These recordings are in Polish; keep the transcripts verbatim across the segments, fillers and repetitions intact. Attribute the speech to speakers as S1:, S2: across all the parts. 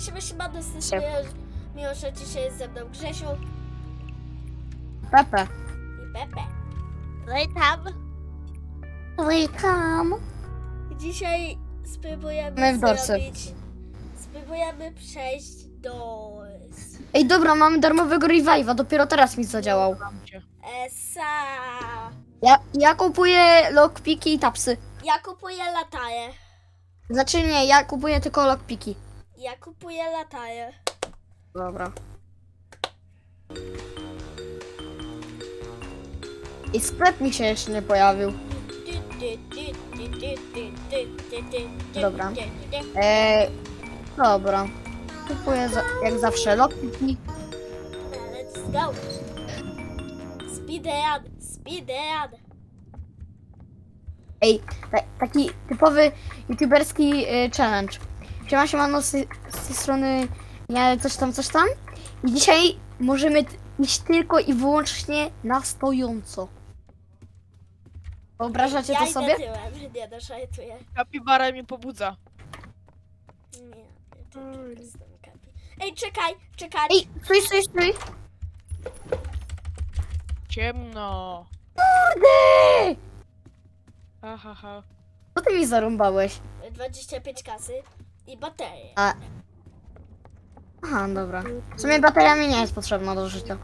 S1: Siema, siema, dosyć miło, miło, że dzisiaj jest ze mną Grzesiu
S2: Pepe.
S1: i Pepe. No i tam.
S2: Welcome.
S1: Dzisiaj spróbujemy
S2: My w dorsy.
S1: zrobić... Spróbujemy przejść do...
S2: Ej, dobra, mamy darmowego revive'a, dopiero teraz mi zadziałał.
S1: Esa.
S2: Ja, ja kupuję lockpiki i tapsy.
S1: Ja kupuję lataję.
S2: Znaczy nie, ja kupuję tylko lockpiki.
S1: Ja kupuję lataję.
S2: Dobra. I sklep mi się jeszcze nie pojawił. Dobra. Eee, dobra. Kupuję za, jak zawsze lockpiki.
S1: Let's go. Speedrun, speedrun.
S2: Ej, ta, taki typowy youtuberski y, challenge. Siema, siemano, z, z tej strony ja coś tam, coś tam. I dzisiaj możemy t- iść tylko i wyłącznie na stojąco. Wyobrażacie
S1: ja
S2: to
S1: idę
S2: sobie?
S1: tyłem, nie doszajtuję.
S3: Kapibara mnie pobudza.
S1: Nie, to tylko jestem kapi. Ej, czekaj, czekaj.
S2: Ej, stój, stój, stój.
S3: Ciemno.
S2: Kurde!
S3: Ha, ha, ha.
S2: Co ty mi zarąbałeś?
S1: dwadzieścia pięć kasy i baterie.
S2: A... Aha, dobra. W sumie bateria mi nie jest potrzebna do życia.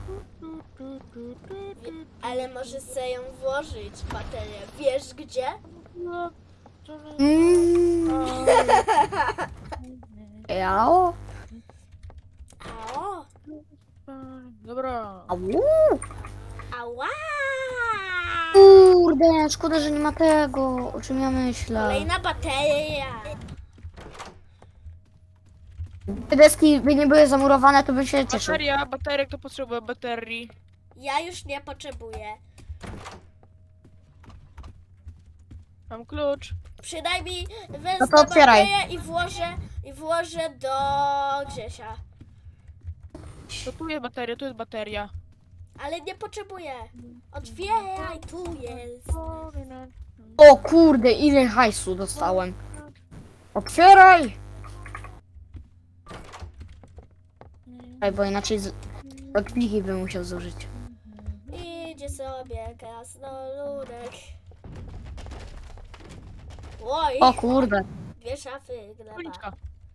S1: Ale możesz sobie ją włożyć, baterię. Wiesz gdzie?
S2: Mm. Jao.
S1: O,
S3: Dobra.
S2: Au.
S1: ała!
S2: Kurde, szkoda, że nie ma tego, o czym ja myślę.
S1: Kolejna bateria.
S2: Te deski by nie były zamurowane, to bym się cieszył.
S3: Bateria, bateria, kto potrzebuje baterii?
S1: Ja już nie potrzebuję.
S3: Mam klucz.
S1: Przynajmniej
S2: No
S1: wezmę
S2: to otwieraj.
S1: baterię i włożę, i włożę do Grzesia.
S3: To tu jest bateria, tu jest bateria.
S1: Ale nie potrzebuję. Otwieraj, tu jest.
S2: O kurde, ile hajsu dostałem. Otwieraj! Ej, bo inaczej z... lockpiki bym musiał zużyć.
S1: Idzie sobie krasnoludek. Oj,
S2: O kurde.
S1: dwie szafy gleba.
S3: Policzka.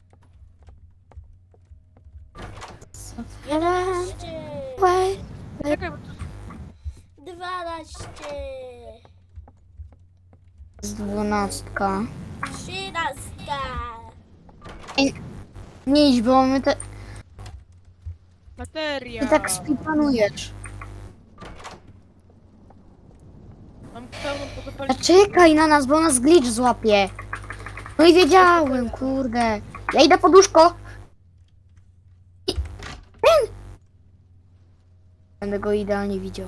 S1: jedenaście,
S2: Wej.
S3: Czekaj, bo to
S1: dwanaście,
S2: Z dwunastka.
S1: trzynasta.
S2: Nie idź, bo my te...
S3: bateria.
S2: Ty tak speedrunujesz.
S3: Mam pełną
S2: A
S3: pozapalić.
S2: czekaj na nas, bo nas glitch złapie. No i wiedziałem, kurde. Ja idę pod łóżko. I... Ten! Będę go idealnie widział.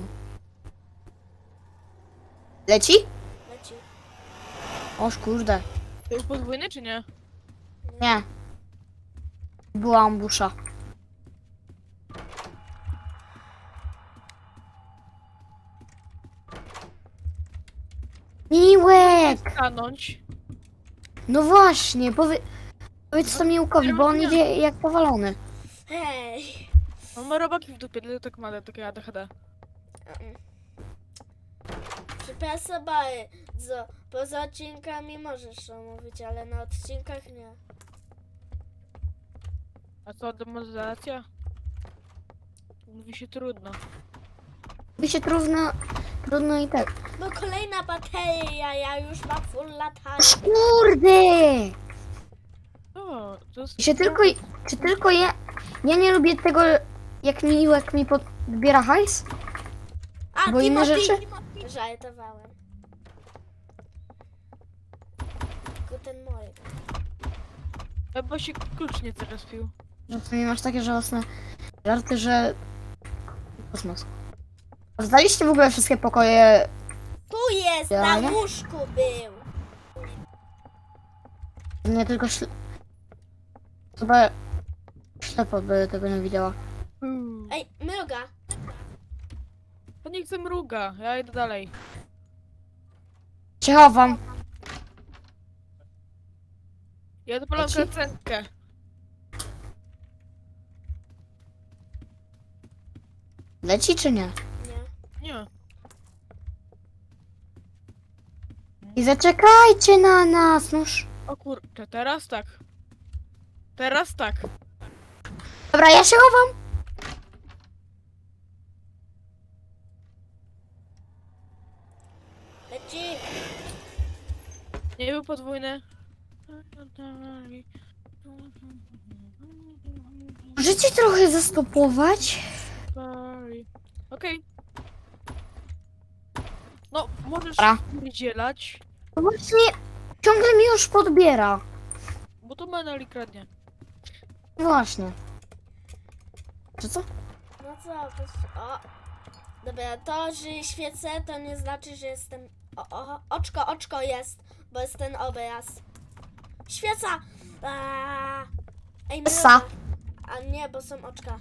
S2: Leci?
S1: Leci.
S2: Oż kurde.
S3: To jest podwójny czy nie?
S2: Nie. Była ambusza. Miłek!
S3: Stanąć.
S2: No właśnie, powie... powiedz to Miłkowi, bo on idzie jak powalony.
S1: Hej.
S3: Mam robaki w dupie, dlatego tak ma takie A D H D.
S1: Przepraszam, ale co, poza odcinkami możesz to mówić, ale na odcinkach nie.
S3: A co, demonetyzacja? Mówi się trudno.
S2: By się trudno... Trudno i tak.
S1: No kolejna bateria, ja już mam full latania.
S2: Oż kurde!
S3: O, to jest...
S2: Czy tylko, czy tylko ja... Ja nie lubię tego, jak Miłek mi podbiera hajs?
S1: A,
S2: Bo inne
S1: Timothy!
S2: rzeczy?
S1: Żartowałem. Guten Morgen.
S3: Ja bo się klucz nie zrespił.
S2: Że ty mi masz takie żałosne żarty, że... Kosmos. Zdaliście w ogóle wszystkie pokoje...
S1: Tu jest,
S2: Ja
S1: na
S2: nie?
S1: łóżku był.
S2: Nie tylko śle... Chyba... Ślepo by tego nie widziała.
S3: Hmm.
S1: Ej, mruga.
S3: To nie chcę mruga, ja idę dalej.
S2: Cię chowam.
S3: Ja dopalam
S2: Leci?
S3: kacenkę.
S2: Leci czy nie?
S1: Nie.
S3: Nie.
S2: I zaczekajcie na nas, noż.
S3: O kurczę, teraz tak. Teraz tak.
S2: Dobra, ja się chowam.
S1: Leci.
S3: Nie był podwójny.
S2: Możecie trochę zastopować?
S3: Sorry. Okej. No, możesz
S2: Dobra.
S3: wydzielać,
S2: No właśnie, ciągle mi już podbiera.
S3: bo to Meneli kradnie.
S2: Właśnie. Czy co?
S1: No co, to... O. Dobra, to, że świecę, to nie znaczy, że jestem... O, o, oczko, oczko jest, bo jest ten obraz. Świeca! Aaaa. Ej,
S2: Essa.
S1: mruga. A nie, bo są oczka.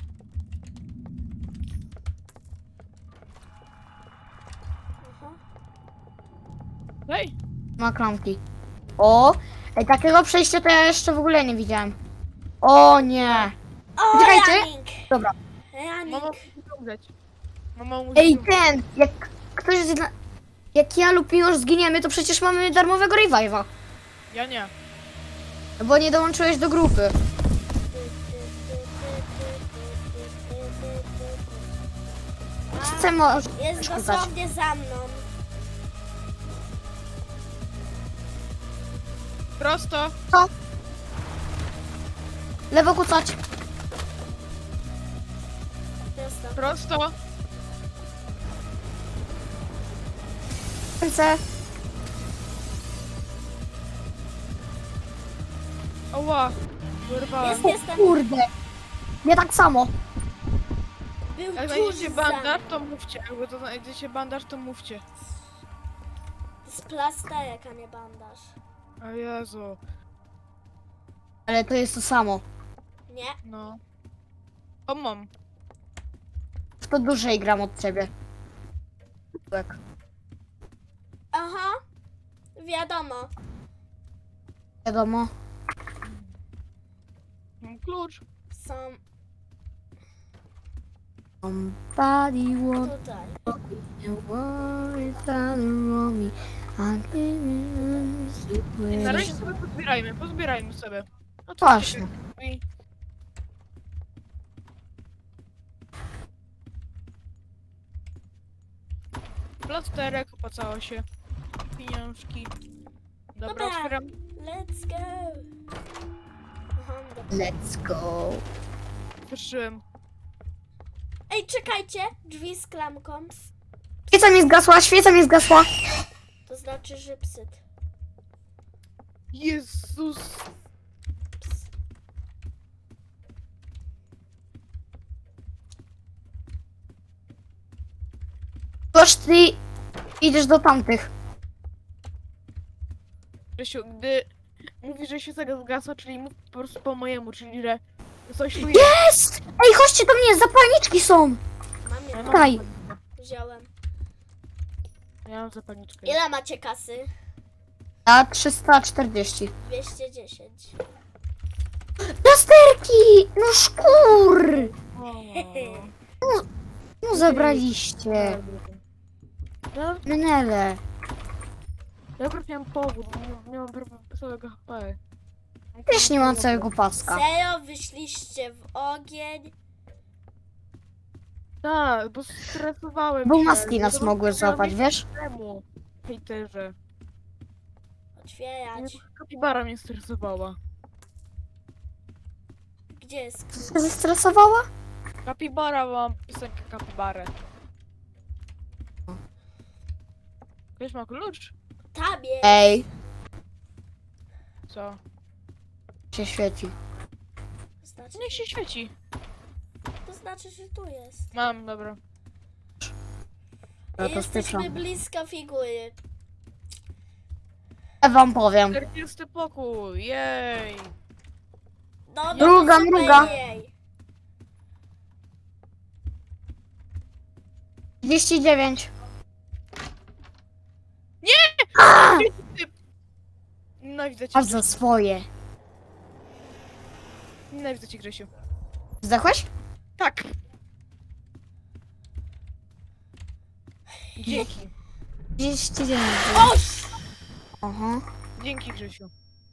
S1: Aha.
S3: Hej!
S2: Ma klamki. O! Ej, takiego przejścia to ja jeszcze w ogóle nie widziałem. O nie!
S1: O,
S2: Czekajcie.
S1: Janik!
S2: Dobra.
S1: Janik!
S3: Mama musi umrzeć. Mama musi
S2: Ej,
S3: umrzeć.
S2: ten! Jak ktoś zna... Jak ja lub Miłosz zginiemy, to przecież mamy darmowego revive'a.
S3: Ja nie.
S2: Bo nie dołączyłeś do grupy. Co możesz
S1: Jest
S2: przeszkadzać?
S1: dosłownie za mną.
S3: Prosto.
S2: Lewo kucać.
S1: Prosto.
S3: Prosto.
S2: Ręce.
S3: Oła. Wyrwałem.
S1: Jest, jestem.
S2: Kurde. Nie tak samo.
S1: Był
S3: Jak
S1: tuż
S3: znajdziecie
S1: za mną.
S3: bandaż, to mówcie. Jakby to znajdziecie bandaż, to mówcie.
S1: To jest plasterek, a nie bandaż.
S3: O Jezu.
S2: Ale to jest to samo.
S1: Nie?
S3: No. O, mam.
S2: W to dłużej gram od ciebie. Tak.
S1: Aha. Wiadomo.
S2: Wiadomo.
S3: Mam klucz.
S1: Są
S2: Somebody walk
S1: tutaj.
S2: and worry around me. I
S3: Na razie
S2: can't
S3: sobie pozbierajmy, pozbierajmy sobie. No to
S2: Właśnie.
S3: I... Plasterek, opacało się. Pieniążki. Dobra,
S1: Dobra.
S3: otwieram.
S1: Let's go. Aha, dobra.
S2: Let's go.
S3: Otworzyłem.
S1: Ej, czekajcie. Drzwi z klamką.
S2: Świeca mi zgasła, świeca mi zgasła.
S1: To znaczy, że psyt.
S3: Jezus!
S1: Ps.
S2: Toż ty idziesz do tamtych.
S3: Grzesiu, gdy mówisz, że się tego zgasła, czyli mów po prostu po mojemu, czyli że coś tu jest.
S2: Jest! Ej, chodźcie do mnie, zapalniczki są.
S1: Mam
S3: Ja
S1: je.
S3: mam
S2: Tutaj.
S3: zapalniczkę.
S1: Wziąłem.
S3: Ja mam zapalniczkę.
S1: Ile macie kasy?
S2: A trzysta czterdzieści.
S1: dwieście dziesięć.
S2: Plasterki! No szkur!
S3: O.
S2: No zabraliście.
S3: Ja,
S2: Menele.
S3: ja akurat miałem powód, nie, nie mam prawa całego H P.
S2: Też nie mam całego paska.
S1: Serio, wyszliście w ogień.
S3: Tak, bo stresowałem
S2: Bo
S3: się.
S2: maski nas mogły złapać, wiesz?
S3: Temu, hejterze.
S1: Otwierać.
S3: Nie, kapibara mnie stresowała.
S1: Gdzie jest?
S2: Się zestresowała?
S3: Kapibara, mam piosenkę kapibarę. Ktoś ma klucz?
S1: Tam jest.
S2: Ej,
S3: Co?
S2: się świeci.
S1: To znaczy,
S3: Niech się świeci.
S1: to znaczy, że tu jest.
S3: Mam, dobra.
S2: Ja to
S1: Jesteśmy
S2: spieszam.
S1: blisko figury.
S2: Ja wam powiem.
S3: czterdziesty pokój, jej!
S1: No, no
S2: Mruga,
S1: to super
S2: mruga.
S1: jej.
S2: trzydzieści dziewięć.
S3: Nienawidzę cię,
S2: Aż za swoje.
S3: nienawidzę cię, Grzesiu.
S2: Zdechłeś?
S3: Tak! Dzięki.
S2: trzydzieści dziewięć.
S1: Oś!
S2: Aha.
S3: Dzięki, Grzesiu.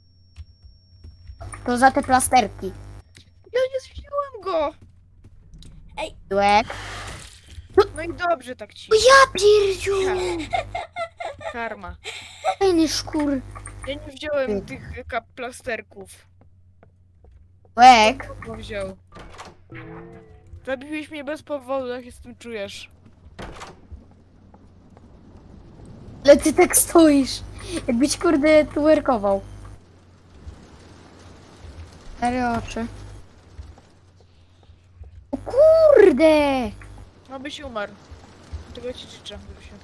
S2: To za te plasterki.
S3: Ja nie zwiesiłem go!
S2: Tyłek.
S3: No i dobrze tak ci.
S2: Ja pierdziu!
S3: Karma.
S2: Fajny szkur.
S3: Ja nie wziąłem tych e, kap plasterków.
S2: Tyłek.
S3: Kto wziął? Zabiłeś mnie bez powodu, jak się z tym czujesz?
S2: Ale ty tak stoisz. Jakbyś kurde twerkował. Cztery oczy. O kurde!
S3: No byś umarł. Tego ci życzę, Grzesiu.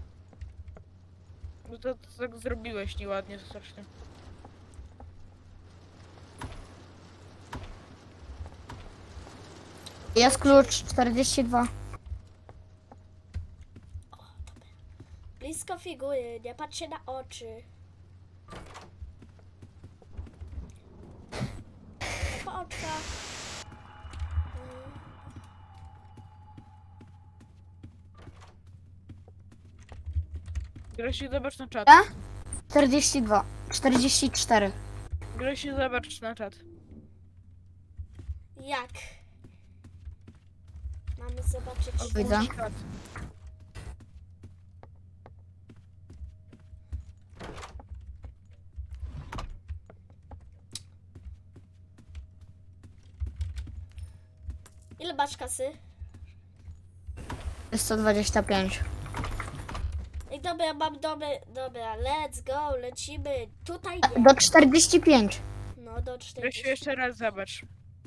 S3: No to, to tak zrobiłeś nieładnie strasznie.
S2: Jest klucz czterdzieści dwa.
S1: Blisko figury, nie patrz się na oczy. Po oczkach.
S3: Grzesiu, zobacz na czat.
S2: Ja? czterdzieści dwa. czterdzieści cztery.
S3: Grzesiu, zobacz na czat.
S1: Jak? Mamy zobaczyć.
S2: Widzę.
S3: Czat.
S1: Ile masz kasy?
S2: Jest sto dwadzieścia pięć.
S1: Ej, dobra, mam dobre. Dobra, let's go, lecimy. Tutaj nie.
S2: Do czterdzieści pięć.
S1: No, do
S3: Grzesiu,
S1: czterdziestu.
S3: jeszcze raz zobacz.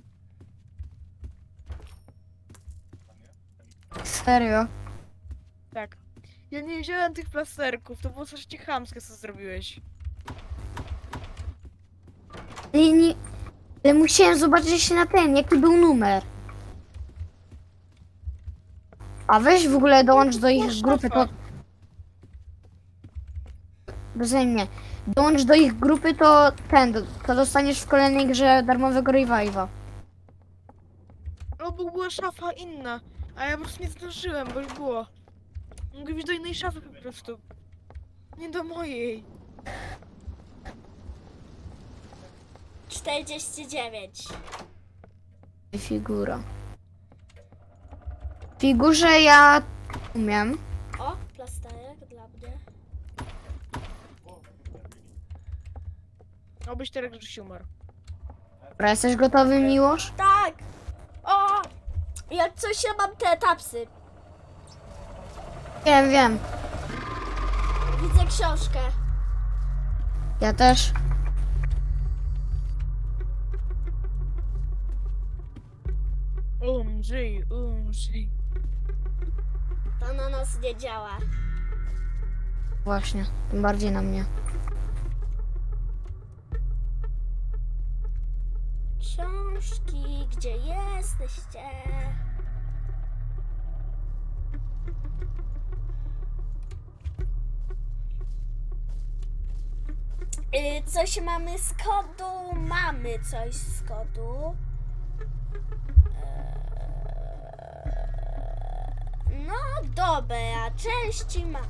S2: Serio?
S3: Tak. Ja nie wziąłem tych plasterków, to było coś chamskie, co zrobiłeś.
S2: Nie, nie. Ale musiałem zobaczyć na ten, jaki był numer. A weź w ogóle dołącz do ich grupy, to... Beze mnie. Dołącz do ich grupy, to ten, to dostaniesz w kolejnej grze darmowego revive'a.
S3: No bo była szafa inna, a ja po prostu nie zdążyłem, bo już było. Mogę iść do innej szafy po prostu. Nie do mojej.
S1: czterdzieści dziewięć.
S2: Figura. W figurze ja umiem.
S1: O, plasterek dla mnie.
S3: Obyś teraz Grzesiu umarł.
S2: Dobra, jesteś gotowy, Miłosz?
S1: Tak! O! Jak coś ja mam te tapsy.
S2: Wiem, wiem.
S1: Widzę książkę.
S2: Ja też.
S3: Umrzyj, umrzyj.
S1: To na nas nie działa.
S2: Właśnie, tym bardziej na mnie.
S1: Książki, gdzie jesteście? Y, coś mamy z kodu? Mamy coś z kodu. Eee, No dobra, części ma.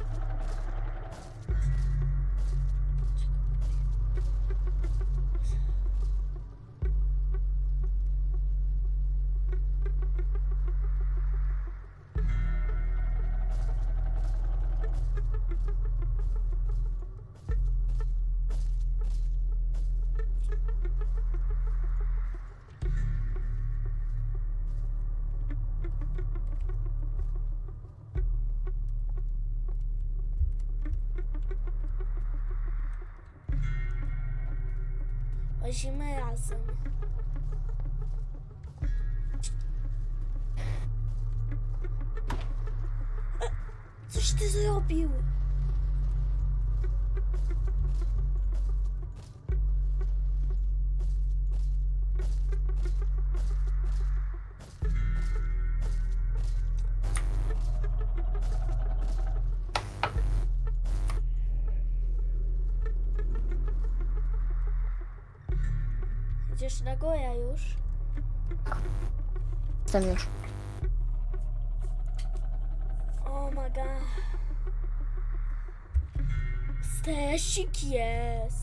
S1: Łazimy razem. E, Coś ty zrobił? Idziesz na górę już?
S2: Jestem już.
S1: Oh my god. Tesik jest.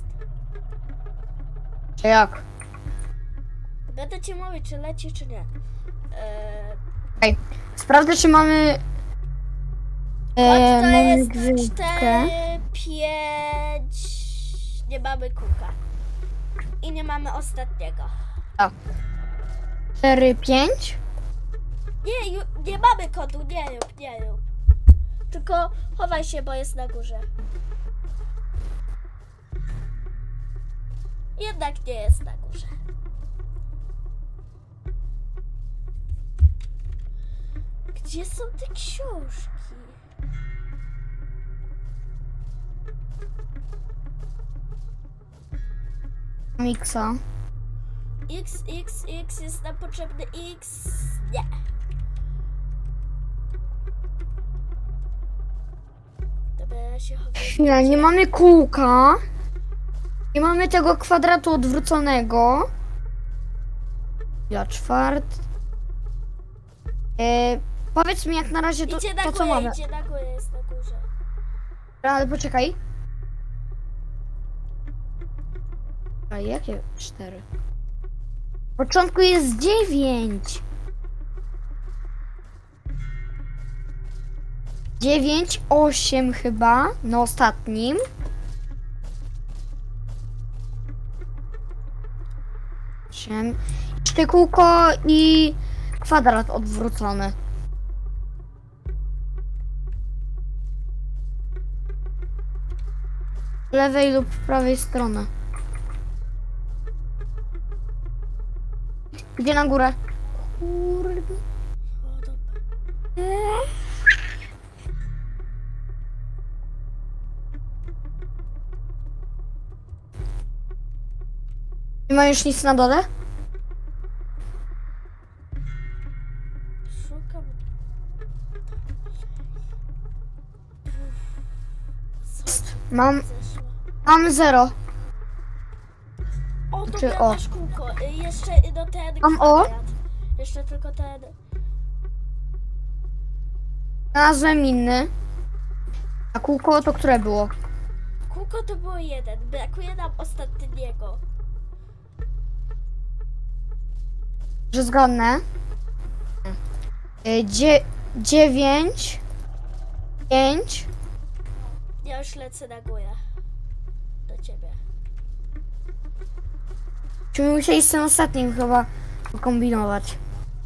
S2: Czy jak?
S1: Będę ci mówić, czy leci, czy nie. Eee,
S2: Sprawdzę, czy mamy...
S1: kod
S2: E,
S1: to
S2: mamy
S1: jest
S2: gwizdkę.
S1: cztery, pięć. Nie mamy kółka. I nie mamy ostatniego.
S2: cztery, pięć.
S1: Nie, ju- nie mamy kodu, nie rób, nie rób. Tylko chowaj się, bo jest na górze. Jednak nie jest na górze. Gdzie są te książki?
S2: Miksa.
S1: X, X, X jest nam potrzebny X. Nie. Dobra, ja się chowam.
S2: Chwila, nie mamy kółka. Nie mamy tego kwadratu odwróconego. Ja czwart. E, powiedz mi jak na razie to,
S1: Idzie na
S2: to co
S1: górę,
S2: mamy.
S1: idzie na górę, jest na górze.
S2: Ale poczekaj. A jakie cztery? W początku jest dziewięć. Dziewięć, osiem chyba, na ostatnim. Osiem. Jeszcze kółko i kwadrat odwrócony. Z lewej lub prawej strony. Gdzie na górę? Kurde.
S1: O, dobra.
S2: Nie ma już nic na dole?
S1: Szukam. Co
S2: Mam,
S1: zeszło?
S2: mam zero.
S1: O,
S2: Czy
S1: dobra,
S2: o?
S1: masz kółko. Y, Jeszcze y, do ten
S2: Mam o?
S1: kwadrat. Jeszcze tylko ten.
S2: Znalazłem inny. A kółko to które było?
S1: Kółko to było jeden. Brakuje nam ostatniego.
S2: Że zgodne. Y, Dzie, dziewięć. Pięć.
S1: Ja już lecę na górę. Do ciebie.
S2: Czy musieli z tym ostatnim chyba pokombinować?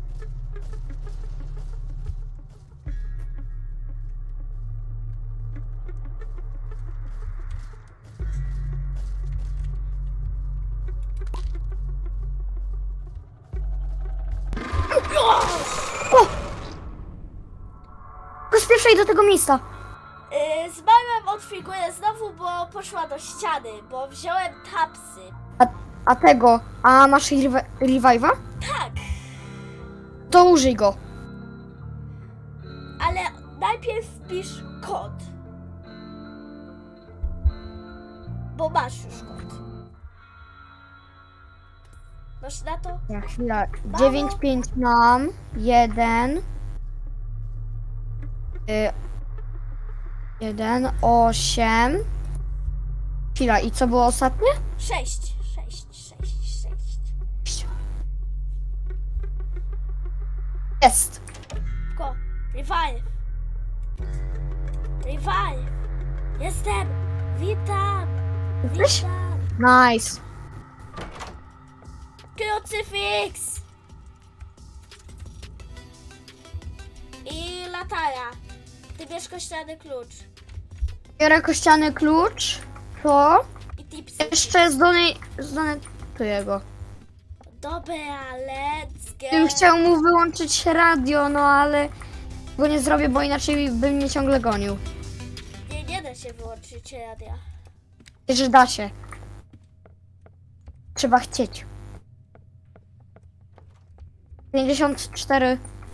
S2: O! Pospieszaj do tego miejsca.
S1: Yy, zmarłam od figury znowu, bo poszła do ściany, bo wziąłem tapsy.
S2: A, a tego, a masz rewi- revive'a?
S1: Tak,
S2: To użyj go.
S1: ale najpierw wpisz kod. Bo masz już kod. Masz na to?
S2: Ja, chwila. dziewięć, pięć mam. jeden. Y, jeden, osiem. Chwila, i co było ostatnie?
S1: Sześć, sześć, sześć, sześć.
S2: Jest.
S1: Ko, revive. Revive. Jestem. Witam.
S2: Jesteś?
S1: Witam.
S2: Nice.
S1: Krucyfiks. I latara. Ty bierz kościany klucz.
S2: Biorę kościany klucz. To.
S1: I tipsy.
S2: Jeszcze zdonetuję go.
S1: Dobra, let's go.
S2: Bym chciał mu wyłączyć radio, no ale go nie zrobię, bo inaczej by mnie ciągle gonił.
S1: Nie, nie da się wyłączyć radia.
S2: Że da się. Trzeba chcieć. pięćdziesiąt cztery.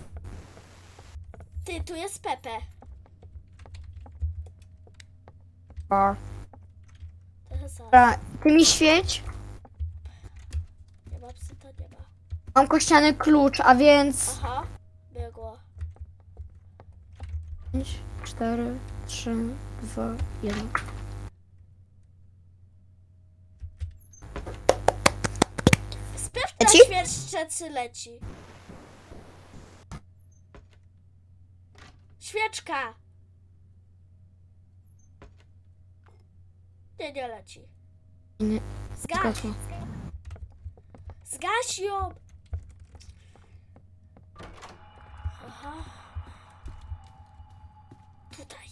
S1: Ty, tu jest Pepe.
S2: Bar.
S1: Trochę za.
S2: Dobra, ty mi świeć.
S1: Nie ma psy, to nie ma.
S2: Mam kościany klucz, a więc
S1: Aha, biegło.
S2: pięć, cztery, trzy, dwa, jeden.
S1: Pieszczecy leci. Świeczka! Nie, nie leci.
S2: Nie,
S1: Zgaś!
S2: zgasła.
S1: Zgaś ją! Aha. Tutaj.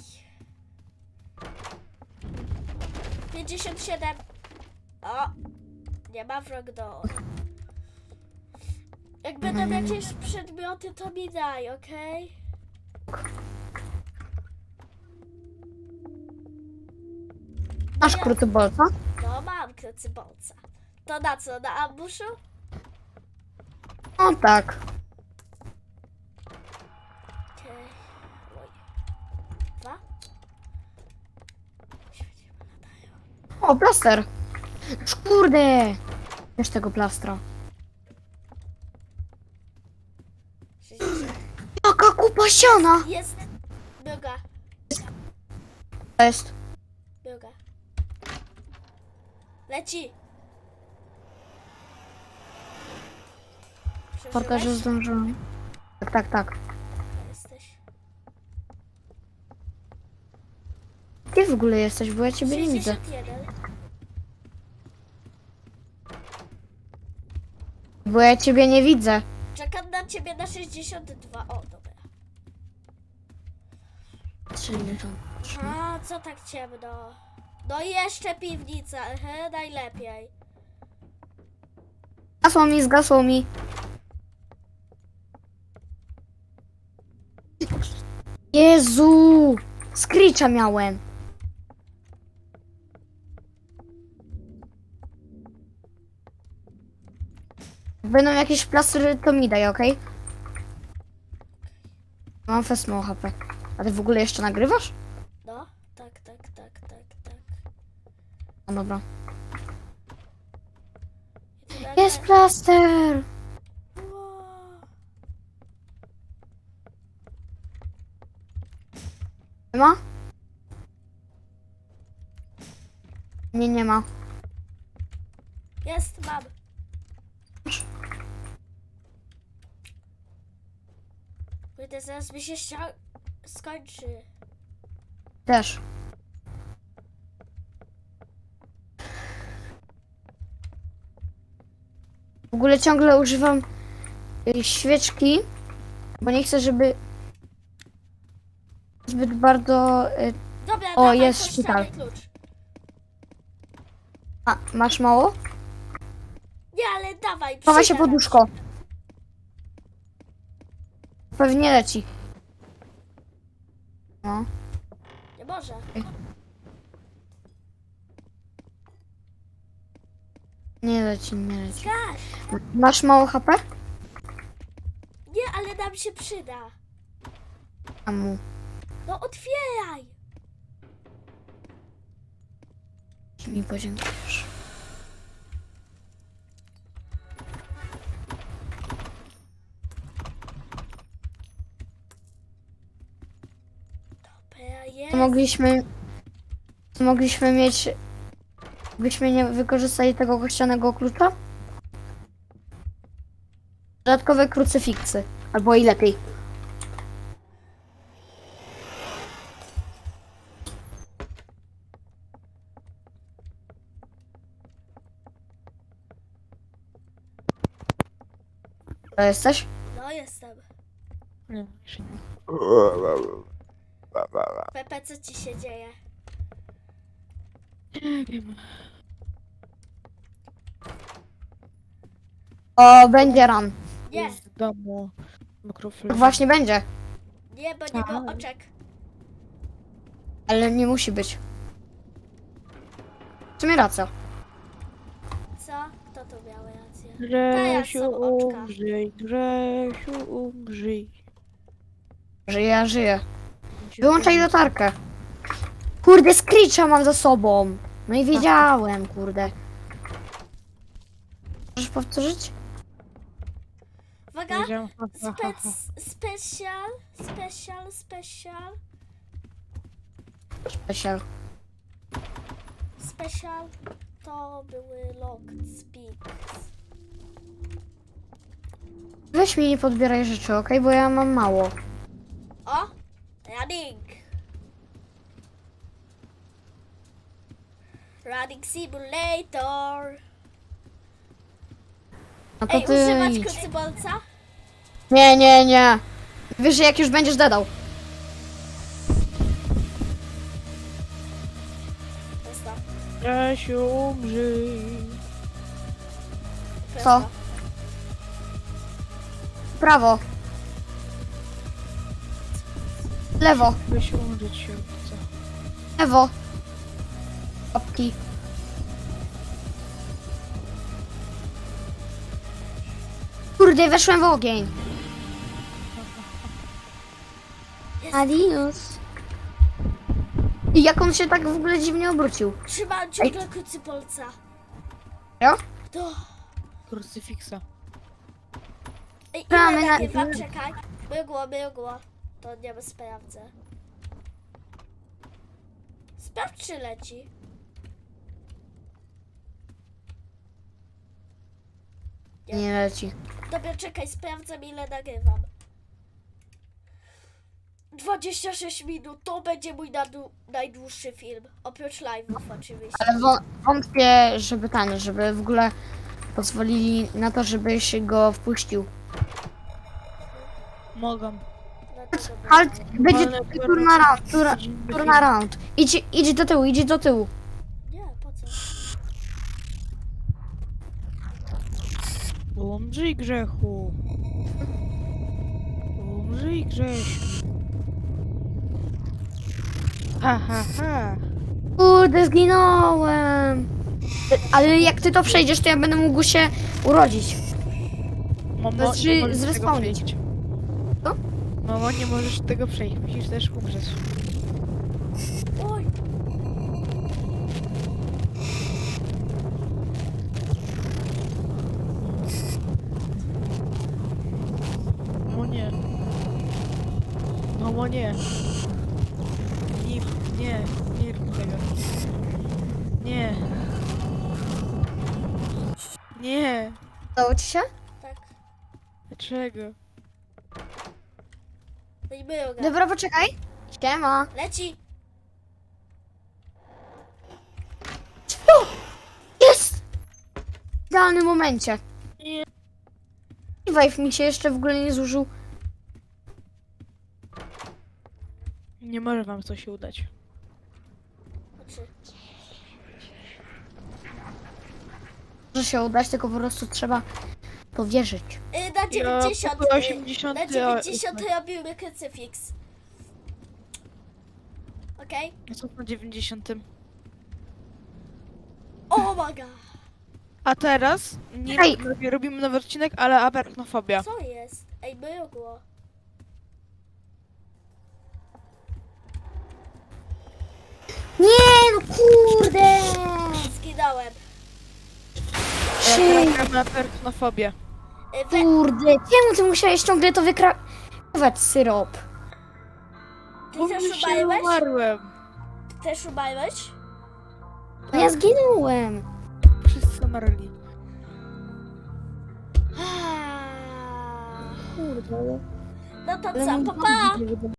S1: pięćdziesiąt siedem. O! Nie ma wrog do. Jak będą jakieś przedmioty, to mi daj, okej?
S2: Masz kruty bolca?
S1: No mam krucybolca. To na co? Na ambuszu?
S2: No tak.
S1: Okej. Oj. Dwa? Świetnie latają.
S2: O, plaster. Już kurde. Wiesz tego plastra.
S1: sześćdziesiąt.
S2: Jaka kupa siana.
S1: Jest! Biuga,
S2: To jest.
S1: biuga. Leci!
S2: Porka, że
S1: Przeżyłeś?
S2: zdążyłem. Tak, tak, tak.
S1: Jesteś.
S2: Gdzie w ogóle jesteś? Bo ja ciebie nie widzę.
S1: sześćdziesiąt jeden.
S2: Bo ja ciebie nie widzę.
S1: Czekam na ciebie na sześćdziesiąt dwa. O, dobra. A, co tak ciemno? No i jeszcze piwnica, ehe, najlepiej.
S2: Zgasło mi, zgasło mi. Jezu! Screecha miałem. Jak będą jakieś plastry, to mi daj, okej? Mam fest mało H P. A ty w ogóle jeszcze nagrywasz?
S1: No, tak, tak, tak, tak, tak.
S2: No dobra.
S1: I tu nagle-
S2: Jest plaster!
S1: Wow.
S2: Nie ma? Nie, nie ma.
S1: Jest, mam. Kurde, zaraz mi się ścią... skończy.
S2: Też. W ogóle ciągle używam y, świeczki, bo nie chcę, żeby zbyt bardzo... y,
S1: Dobra,
S2: O,
S1: dawaj
S2: jest
S1: kościany
S2: szpital.
S1: klucz.
S2: A, masz mało?
S1: Nie, ale dawaj,
S2: Chowaj się
S1: przyda nam
S2: poduszko. Pewnie leci. No.
S1: Nie może.
S2: Nie leci, nie leci.
S1: Gaś!
S2: Masz mało H P?
S1: Nie, ale nam się przyda.
S2: Amu.
S1: No otwieraj!
S2: Mi podziękujesz.
S1: Dobra, jest.
S2: To mogliśmy... To mogliśmy mieć... Byśmy nie wykorzystali tego kościanego klucza? Dodatkowe krucyfiksy. Albo i lepiej. To jesteś?
S1: No jestem.
S3: Nie, jeszcze nie.
S1: Pepe, co ci się dzieje?
S3: Nie wiem.
S2: O, będzie run.
S1: Nie,
S3: Z domu mikrofon.
S2: Właśnie będzie.
S1: nie, bo nie było
S3: Tak.
S1: oczek.
S2: Ale nie musi być. W sumie racja.
S1: Co? Kto tu miał rację?
S3: Grzesiu,
S1: są oczka.
S3: umrzyj, Grzesiu, umrzyj.
S2: Żyję, ja żyję. Wyłączaj latarkę. Kurde, Screecha mam za sobą. No i wiedziałem, kurde. Możesz powtórzyć?
S1: Uwaga!
S3: Wiedziałem, ha, ha, ha, ha.
S1: Spec, special, special, special,
S2: Special.
S1: special to były locked speaks.
S2: Weź mi nie podbieraj rzeczy, okej? Bo ja mam mało.
S1: O! Running! Running Simulator!
S2: No to
S1: Ej,
S2: ty
S1: używać
S2: idź.
S1: krucybolca?
S2: Nie, nie, nie. Wiesz, że jak już będziesz dadał.
S1: Prosto.
S3: Jasiu, umrzyj.
S1: Prosto.
S2: Co? Prawo. Lewo.
S3: Weź umrzeć się, co?
S2: Lewo. Łapki. Kurde, weszłem w ogień. Adios. I jak on się tak w ogóle dziwnie obrócił?
S1: Trzymam ciągle krucybolca.
S2: Jo?
S1: To...
S3: Krucyfiksa.
S1: Ej,
S2: Gramy
S1: ile
S2: na-
S1: nagrywam? Czekaj. Mygło, mygło. To nie sprawdzę. Sprawdź, czy leci.
S2: Nie leci.
S1: Dobra, czekaj, sprawdzam, ile nagrywam. dwadzieścia sześć minut, to będzie mój nadu- najdłuższy film. Oprócz live'ów oczywiście.
S2: Ale wą- wątpię, żeby ten, żeby w ogóle pozwolili na to, żebyś go wpuścił.
S3: Mogą.
S1: No to dobra.
S2: Halt, będzie
S3: Ale
S2: tur na round, tur, tur na round. Idź, idź do tyłu, idź do tyłu.
S1: Nie, po co?
S3: Umrzyj, grzechu. Umrzyj, Grzesiu. Ha, ha, ha.
S2: Kurde, zginąłem. Ale jak ty to przejdziesz, to ja będę mógł się urodzić.
S3: Mamo,
S2: Znaczy,
S3: nie możesz tego
S2: zrespawnić.
S3: przejść.
S2: Co?
S3: Mamo, nie możesz tego przejść, musisz też umrzeć.
S1: Oj!
S3: Mamo, nie. Mamo, nie. Nie, nie, nie rób tego. Nie. Nie.
S2: Udało ci się?
S1: Tak.
S3: Dlaczego?
S1: No i myją go.
S2: Dobra, poczekaj. Siema.
S1: Leci!
S2: O! Jest! W idealnym momencie.
S3: Nie.
S2: Revive mi się jeszcze w ogóle nie zużył.
S3: Nie może wam to się udać.
S1: Znaczy,
S2: Może się udać, tylko po prostu trzeba powierzyć.
S1: y, na dziewięćdziesiąt.
S3: pokój
S1: y,
S3: osiemdziesiąty,
S1: na dziewięćdziesiąt robimy krucyfiks. Okej?
S3: A co na dziewięćdziesiątym?
S1: O my god!
S3: A teraz nie
S2: Ej.
S3: robi- robimy nowy odcinek, ale arachnofobia.
S1: Co jest? Ej, mygło.
S2: Nie, no kurde!
S1: Zginąłem.
S2: Shit.
S3: Gramy na arachnofobię.
S1: Y, we,
S2: Kurde, czemu ty musiałeś ciągle to wykrawać syrop?
S1: ty
S3: Bo
S1: też
S3: mi się
S1: umarłeś?
S3: umarłem.
S1: Też umarłeś?
S2: No ja zginąłem.
S3: Wszyscy umarli.
S1: Ah.
S2: Kurde.
S1: No to
S2: Ale
S1: co,
S2: mój
S1: pa
S2: dom
S1: pa!
S2: będzie